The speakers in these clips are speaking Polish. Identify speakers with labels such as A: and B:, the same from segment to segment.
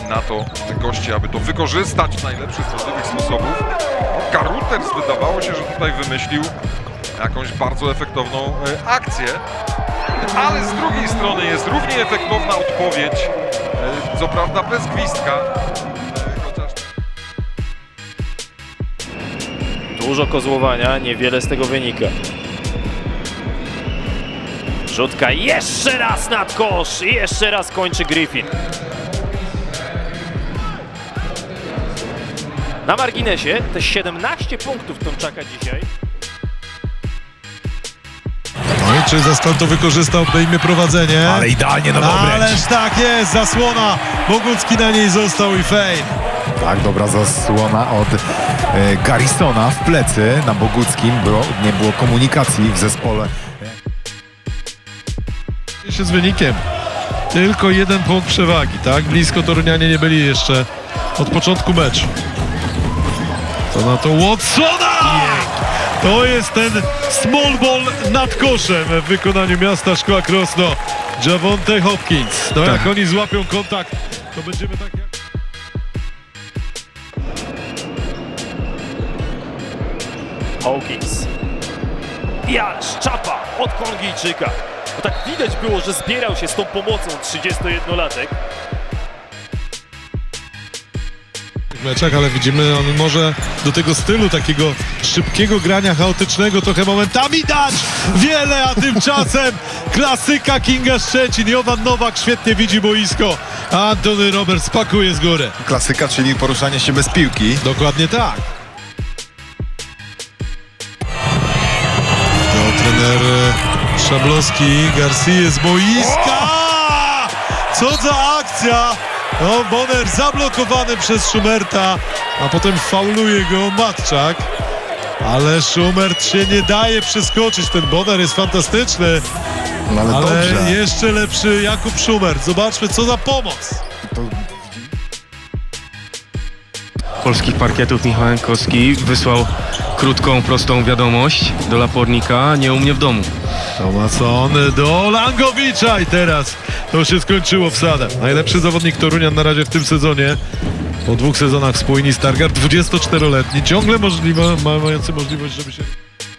A: na to goście, aby to wykorzystać w najlepszych możliwych sposobów. Karuters wydawało się, że tutaj wymyślił jakąś bardzo efektowną akcję, ale z drugiej strony jest równie efektowna odpowiedź, co prawda bez gwizdka. Chociaż...
B: Dużo kozłowania, niewiele z tego wynika. Rzutka jeszcze raz nad kosz i jeszcze raz kończy Griffin. Na marginesie te 17 punktów Tomczaka dzisiaj.
C: No i czy Zespol to wykorzystał, obejmie prowadzenie.
D: Ale idealnie na obręcz.
C: Ależ tak jest, zasłona. Bogucki na niej został i fame.
D: Tak, dobra zasłona od Garrisona w plecy na Boguckim. Nie było komunikacji w zespole.
C: Się z wynikiem. Tylko 1 punkt przewagi, tak? Blisko Torunianie nie byli jeszcze od początku meczu. To na to Watsona! To jest ten small ball nad koszem w wykonaniu Miasta Szkła Krosno. Javonte Hopkins. No jak oni złapią kontakt, to będziemy tak jak...
B: Hawkins. I ależ czapa od Kongijczyka. Bo tak widać było, że zbierał się z tą pomocą 31-latek.
C: w meczach, ale widzimy, on może do tego stylu takiego szybkiego grania, chaotycznego trochę momentami dać wiele, a tymczasem klasyka Kinga Szczecin. Jovan Nowak świetnie widzi boisko, a Antony Roberts pakuje z góry.
E: Klasyka, czyli poruszanie się bez piłki.
C: Dokładnie tak. To trener Szablowski, Garcia z boiska. Co za akcja! No, Bonner zablokowany przez Schumerta, a potem fauluje go Matczak. Ale Schumert się nie daje przeskoczyć. Ten Bonner jest fantastyczny.
E: No ale dobrze.
C: Jeszcze lepszy Jakub Schumert. Zobaczmy, co za pomoc.
F: Polskich parkietów Michał Jankowski wysłał krótką, prostą wiadomość do Lapornika: nie u mnie w domu.
C: Tomason do Langowicza i teraz to się skończyło wsadem. Najlepszy zawodnik Torunian na razie w tym sezonie. Po 2 sezonach spójni Stargard, 24-letni, ciągle mający możliwość, żeby się...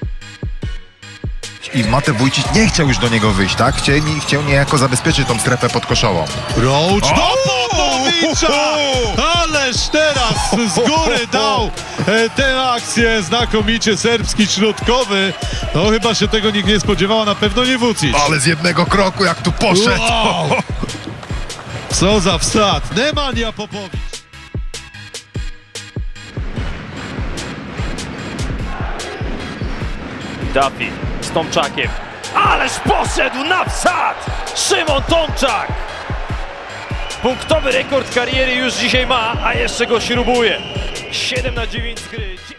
E: I Mate Wójcic nie chciał już do niego wyjść, tak? Chciał niejako zabezpieczyć tą strefę podkoszową.
C: Roach do Popowicza! Ależ teraz z góry dał tę akcję znakomicie serbski środkowy. No chyba się tego nikt nie spodziewał, a na pewno nie Vucic.
E: Ale z jednego kroku jak tu poszedł.
C: Wow! Co za wsad! Nemanja Popowicz.
B: Duffy z Tomczakiem. Ależ poszedł na wsad! Szymon Tomczak! Punktowy rekord kariery już dzisiaj ma, a jeszcze go śrubuje. 7/9 z gry.